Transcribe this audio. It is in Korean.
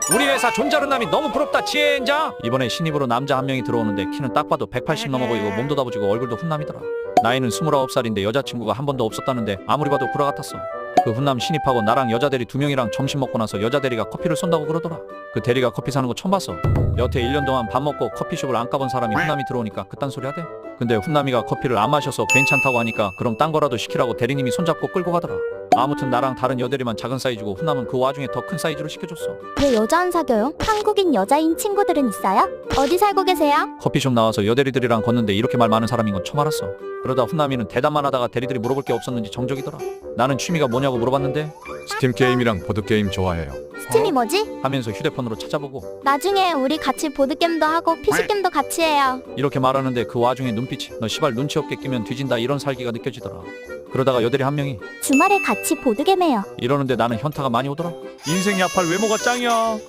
우리 회사 존잘은남이 너무 부럽다 지혜인자. 이번에 신입으로 남자 한 명이 들어오는데 키는 딱 봐도 180 넘어 보이고 몸도 다부지고 얼굴도 훈남이더라. 나이는 29살인데 여자친구가 한 번도 없었다는데 아무리 봐도 구라 같았어. 그 훈남 신입하고 나랑 여자 대리 2명이랑 점심 먹고 나서 여자 대리가 커피를 쏜다고 그러더라. 그 대리가 커피 사는 거 처음 봤어. 여태 1년 동안 밥 먹고 커피숍을 안 가본 사람이 훈남이 들어오니까 그딴 소리 하대. 근데 훈남이가 커피를 안 마셔서 괜찮다고 하니까 그럼 딴 거라도 시키라고 대리님이 손잡고 끌고 가더라. 아무튼 나랑 다른 여대리만 작은 사이즈고 훈남은 그 와중에 더 큰 사이즈로 시켜줬어. 왜 여자 안 사겨요? 한국인 여자인 친구들은 있어요? 어디 살고 계세요? 커피숍 나와서 여대리들이랑 걷는데 이렇게 말 많은 사람인 건 처음 알았어. 그러다 훈남이는 대답만 하다가 대리들이 물어볼 게 없었는지 정적이더라. 나는 취미가 뭐냐고 물어봤는데 스팀 게임이랑 보드 게임 좋아해요. 스팀이 뭐지? 하면서 휴대폰으로 찾아보고 나중에 우리 같이 보드게임도 하고 PC게임도 같이 해요. 이렇게 말하는데 그 와중에 눈빛이 너 시발 눈치 없게 끼면 뒤진다 이런 살기가 느껴지더라. 그러다가 여대리 한 명이 주말에 같이 보드게임 해요. 이러는데 나는 현타가 많이 오더라. 인생 야팔 외모가 짱이야.